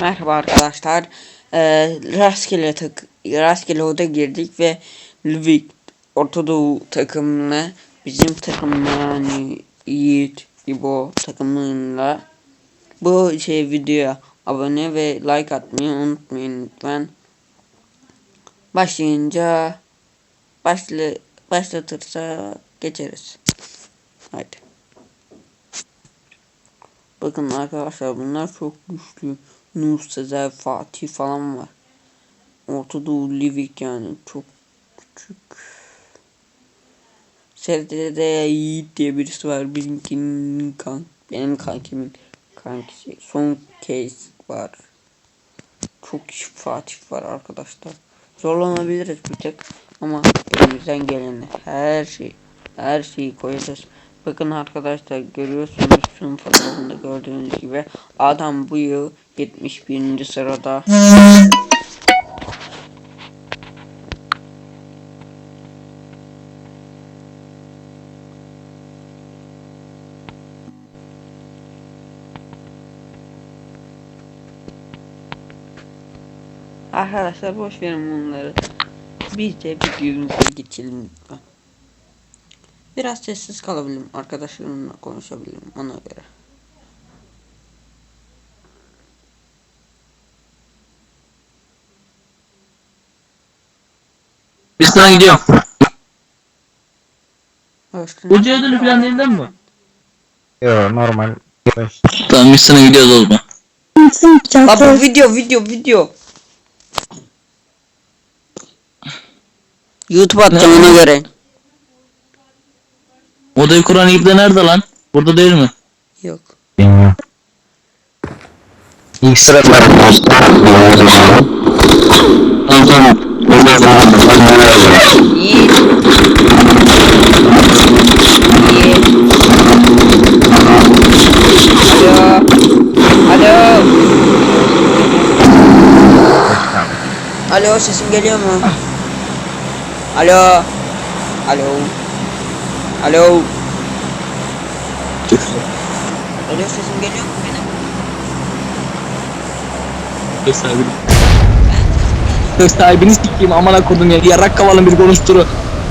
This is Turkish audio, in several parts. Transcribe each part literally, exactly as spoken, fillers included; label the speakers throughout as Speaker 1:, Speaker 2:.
Speaker 1: Merhaba arkadaşlar. Ee, rastgele tak rastgele oda girdik ve Lvivk Ortadoğu takımına bizim takımla yani Yiğit İbo takımıyla bu şey videoya abone ve like atmayı unutmayın lütfen. Başlayınca başla başlatırsa geçeriz. Haydi. Bakın arkadaşlar bunlar çok güçlü. Nur, Sezer, Fatih falan var. Ortadoğu Lvivk yani çok küçük. Seride Yiğit diye birisi var. Bizimkinin kan, benim kankimin kankisi. Son case var. Çok kişi Fatih var arkadaşlar. Zorlanabiliriz bir tek ama elimizden geleni her şey her şeyi koyacağız. Bakın arkadaşlar görüyorsunuz şunun fotoğrafında gördüğünüz gibi adam bu yıl yetmiş birinci sırada. Arkadaşlar boş verin bunları. Biz de videomuza geçelim lütfen. Biraz sessiz kalabilirim. Arkadaşlarımla konuşabilirim ona göre.
Speaker 2: Biz sana gidiyorum.
Speaker 1: Hoca
Speaker 2: ödülü falan elinden mi?
Speaker 3: Yo normal.
Speaker 2: Tamam biz sana gidiyoruz o zaman.
Speaker 1: Baba video video video. YouTube atacağım ona göre.
Speaker 2: Odayı kuran İbni nerede lan? Burada değil mi?
Speaker 1: Yok.
Speaker 3: Bilmiyorum. İlk sırada
Speaker 2: Tamam tamam.
Speaker 1: Yiğit. Yiğit. Alo. Alo. Alo sesim geliyor mu? Alo. Alo. Alo. Alo sesim geliyor mu benim?
Speaker 2: Söz sahibini. Söz sahibini sikeyim amına kodum ya. Yarrak kavalın bir konuşturu.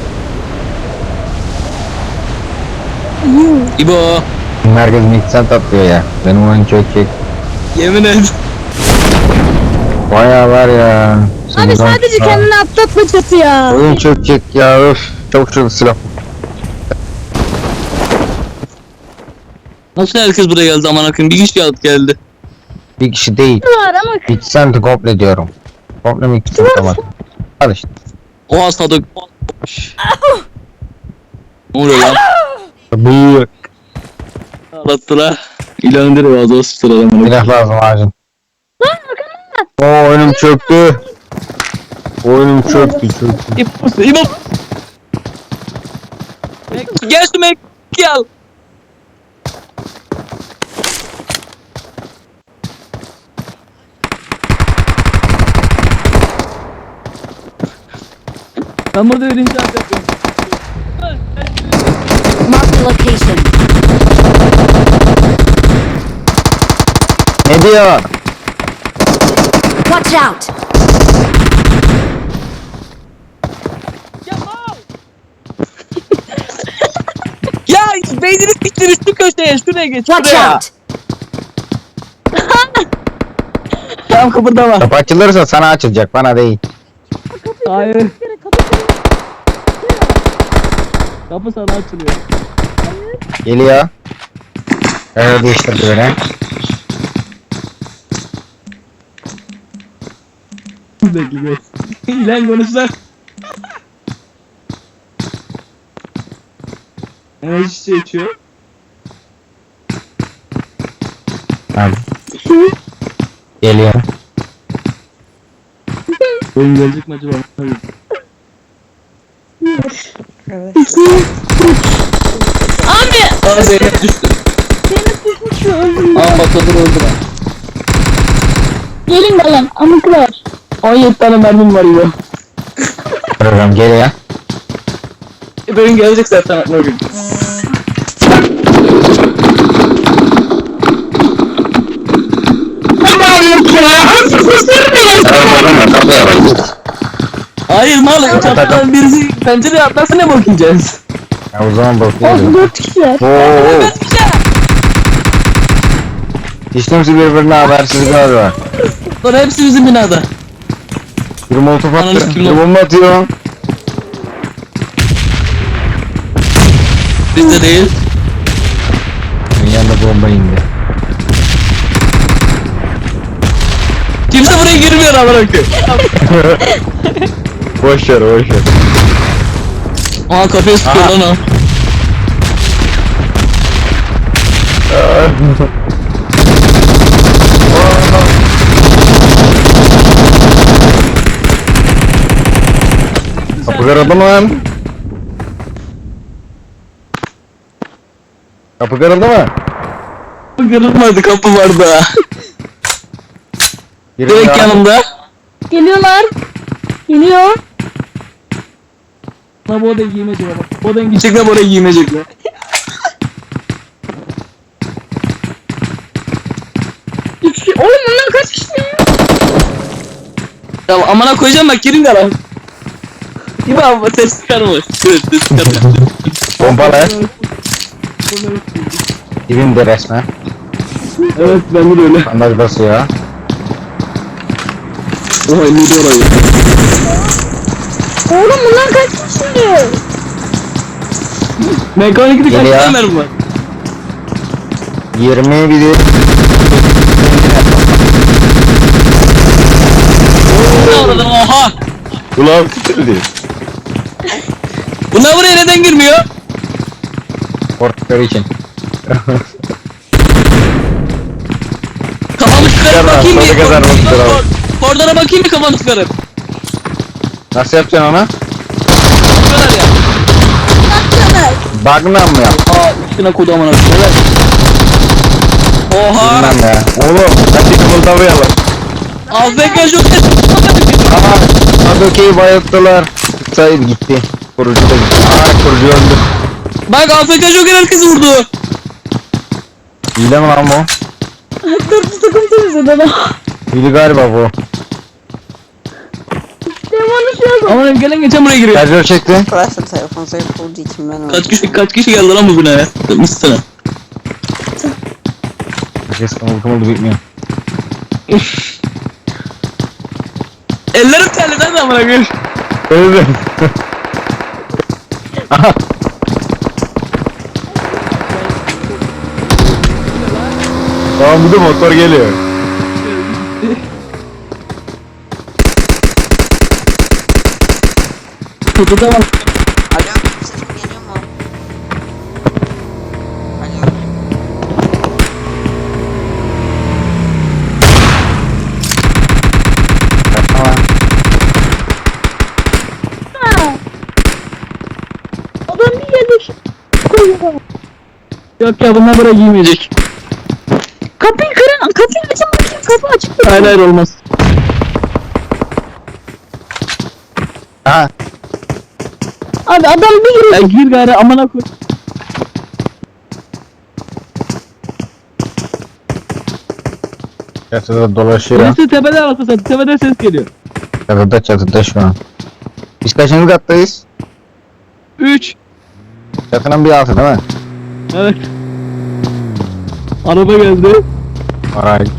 Speaker 2: İbo.
Speaker 3: herkes miksen tatlıyor ya. Benim oyun çok çek.
Speaker 2: Yemin et.
Speaker 3: Bayağı var ya.
Speaker 4: Abi sadece kendini atlatma çatı ya.
Speaker 3: Oyun çok çek ya öf. Çok çok silah.
Speaker 2: Nasıl herkes buraya geldi amına koyayım? Bir kişi alıp geldi.
Speaker 3: Bir kişi değil.
Speaker 4: Var ama
Speaker 3: Miksen de komple diyorum. Komple miksen tamam. Al işte.
Speaker 2: O hasta da... Ne oluyor lan?
Speaker 3: Büyük.
Speaker 2: Ağlattılar. İlan direkt ağzı o sıçtır adamı.
Speaker 3: Silah lazım acil. Oo oyunum çöktü. Oyunum çöktü çöktü.
Speaker 2: İbo. İbo. Gel şu mek. Gel. Ben burada birinci at yapıyorum.
Speaker 4: mark the location.
Speaker 3: Ne diyor?
Speaker 4: Watch out.
Speaker 2: Ya beynini siktir şu köşeye şuraya geç
Speaker 4: Watch
Speaker 2: şuraya.
Speaker 4: out.
Speaker 2: Tamam kıpırdama.
Speaker 3: Kapı açılırsa sana açılacak bana değil.
Speaker 2: Hayır. Kapı sana açılıyor.
Speaker 3: Geliyor. Evet değiştirdi beni.
Speaker 2: Bekle. İlan konuşlar. Enerji şişe içiyor.
Speaker 3: Tamam. Geliyor.
Speaker 2: Oyun gelecek mi acaba? Hayır.
Speaker 1: Evet.
Speaker 4: Abi.
Speaker 2: Aa Zeynep düştü. Aa Basadır öldü lan.
Speaker 4: Gelin bakalım amıklar.
Speaker 2: on yedi tane mermim var ya.
Speaker 3: Program geliyor.
Speaker 2: E bugün gelecek zaten aklıma gün.
Speaker 4: Tamam.
Speaker 2: Hayır mal çatıdan birisi pencereye atlarsa ne bakacağız?
Speaker 3: Ya o zaman
Speaker 4: Olsun
Speaker 3: bakıyorum.
Speaker 4: dört kişiler.
Speaker 3: Oo. Hiç kimse birbirine habersiz galiba.
Speaker 2: Sonra hepsi bizim binada.
Speaker 3: Bir molotof
Speaker 2: Ananı
Speaker 3: attı.
Speaker 2: sikeyim
Speaker 3: Bir
Speaker 2: lan.
Speaker 3: bomba atıyor.
Speaker 2: Bizde değil.
Speaker 3: Benim yanında bomba indi.
Speaker 2: Kimse buraya girmiyor amına koyayım.
Speaker 3: Boş ver boş ver.
Speaker 2: Aa kafaya sıkıyor lan o.
Speaker 3: Kapı kırıldı mı lan? Kapı kırıldı mı?
Speaker 2: Kapı kırılmadı, kapı vardı ha.
Speaker 3: Biri
Speaker 2: Direkt
Speaker 3: ya.
Speaker 2: yanımda.
Speaker 4: Geliyorlar. Geliyor.
Speaker 2: Ha bu odaya giymeyecekler bak. Bu odaya gidecekler, bu odaya giymeyecekler.
Speaker 4: Üç kişi. Oğlum bunlar kaç kişi ya?
Speaker 2: Ya amına koyacağım bak, girin de lan. Gibi abi ses çıkarma. Evet ses çıkarma.
Speaker 3: Pompalı. Dibimde resmen.
Speaker 2: Evet ben de öyle.
Speaker 3: Bandaj basıyor.
Speaker 2: Oha indi orayı.
Speaker 4: Oğlum bunlar kaç kişi?
Speaker 2: Mekanikte kaç
Speaker 3: Geliyor.
Speaker 2: tane mermi var?
Speaker 3: yirmi bir de
Speaker 2: Ne oradan oha.
Speaker 3: Ulan bitirdi.
Speaker 2: Bunlar buraya neden girmiyor?
Speaker 3: Korktukları için.
Speaker 2: Kafamı çıkarıp
Speaker 3: Çıkarma,
Speaker 2: bakayım
Speaker 3: sonuna
Speaker 2: bir.
Speaker 3: kadar
Speaker 2: Kor-
Speaker 3: bakıyor abi.
Speaker 2: kor- Kordona bakayım bir kafanı çıkarıp.
Speaker 3: Nasıl yapacaksın ona?
Speaker 2: Çıkıyorlar ya.
Speaker 3: Bagnan mı yap?
Speaker 2: Aa üstüne kodu amına koyayım. Evet. Oha.
Speaker 3: Bilmem ya. Oğlum hadi kımıldamayalım.
Speaker 2: A F K çok ses.
Speaker 3: Aha Adoke'yi bayılttılar. Sayı gitti. Kurucu da gitti. Aa kurucu öldü.
Speaker 2: Bak A F K çok herkes vurdu.
Speaker 3: Hile mi lan bu?
Speaker 4: Dört takım temizledi adam.
Speaker 3: Hile galiba bu.
Speaker 4: Demonu şu yazın.
Speaker 2: Ama gelen geçen buraya giriyor.
Speaker 3: Şarjör çekti.
Speaker 1: Arkadaşlar telefon zayıf olduğu için ben
Speaker 2: Kaç kişi kaç kişi geldi lan bu binaya? Mıstıra.
Speaker 3: Herkes kımıldı kımıldı bitmiyor.
Speaker 2: Ellerim terli lan amına koyayım.
Speaker 3: Öldü. Aha. Tamam bir de motor geliyor.
Speaker 2: Kutuda bak.
Speaker 1: Alo, sesim geliyor mu? Alo.
Speaker 3: Tamam.
Speaker 4: Adam bir yedik. Koyuyor.
Speaker 2: Yok ya bunlar buraya giymeyecek.
Speaker 4: Kapıyı kırın. Kapıyı açın bakayım. Kapı açık.
Speaker 2: Hayır hayır olmaz.
Speaker 3: Aha.
Speaker 4: Abi adam bir giriyor.
Speaker 2: Ya gir gari amına koy.
Speaker 3: Çatıda dolaşıyor.
Speaker 2: Birisi tepede arası sen tepede ses geliyor.
Speaker 3: Çatıda çatıda şu an. Biz kaçıncı kattayız?
Speaker 2: üç.
Speaker 3: Çatının bir altı değil mi?
Speaker 2: Evet. Araba geldi.
Speaker 3: Alright.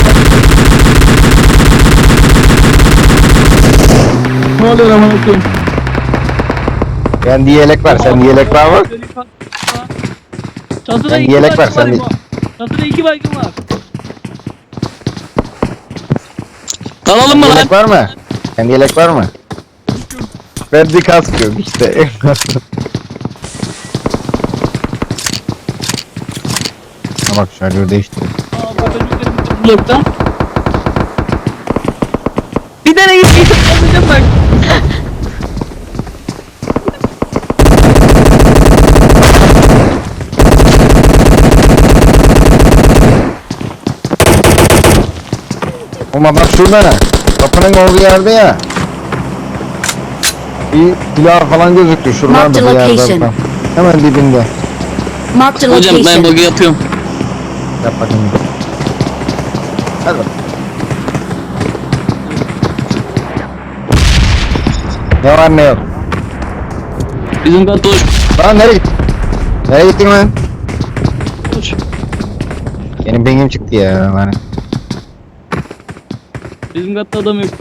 Speaker 2: Ne oluyor amına koyayım?
Speaker 3: Ben diye yelek var. Sen yelek var mı?
Speaker 2: Çatıda
Speaker 3: Ben
Speaker 2: iki
Speaker 3: yelek
Speaker 2: baygın
Speaker 3: var, sen
Speaker 2: var.
Speaker 3: de-
Speaker 2: İbo. Çatıda iki baygın var. Alalım mı lan?
Speaker 3: Yelek var mı? Sen yelek var mı? Ben bir kask yok işte. Ha bak şarjör değişti.
Speaker 2: Blokta. Bir tane git git. Atacağım bak.
Speaker 3: Ama bak şurada ne? Kapının olduğu yerde ya. Bir silah falan gözüktü şuradan
Speaker 4: Marked
Speaker 3: da bir
Speaker 4: location.
Speaker 3: yerden. Hemen dibinde.
Speaker 4: Marked a
Speaker 2: Hocam ben
Speaker 4: location.
Speaker 2: bug'ı yapıyorum.
Speaker 3: Yap bakayım. Hadi bak. Ne var ne yok.
Speaker 2: Bizim katta hoş.
Speaker 3: Lan nereye gittin? Nereye gittin lan?
Speaker 2: Hoş.
Speaker 3: Benim pingim çıktı ya lan.
Speaker 2: Bizim katta adam yok.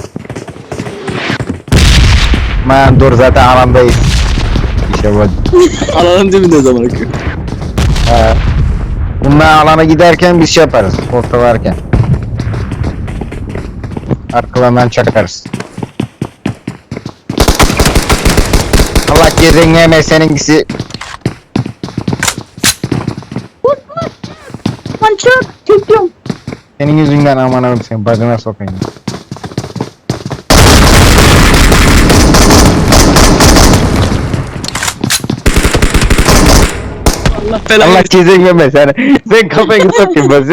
Speaker 3: Man dur zaten alandayız. İşte bu.
Speaker 2: Alanın dibinde zaman akıyor.
Speaker 3: Ha. Bunlar alana giderken biz şey yaparız. Ortalarken. Arkalarından çakarız. Allah cezeni yeme seninkisi.
Speaker 4: Lan çık. Çekiyorum.
Speaker 3: Senin yüzünden aman abim seni bacına sokayım.
Speaker 2: Allah belanı.
Speaker 3: Allah cezeni yeme sen. Sen kafayı sokayım ben.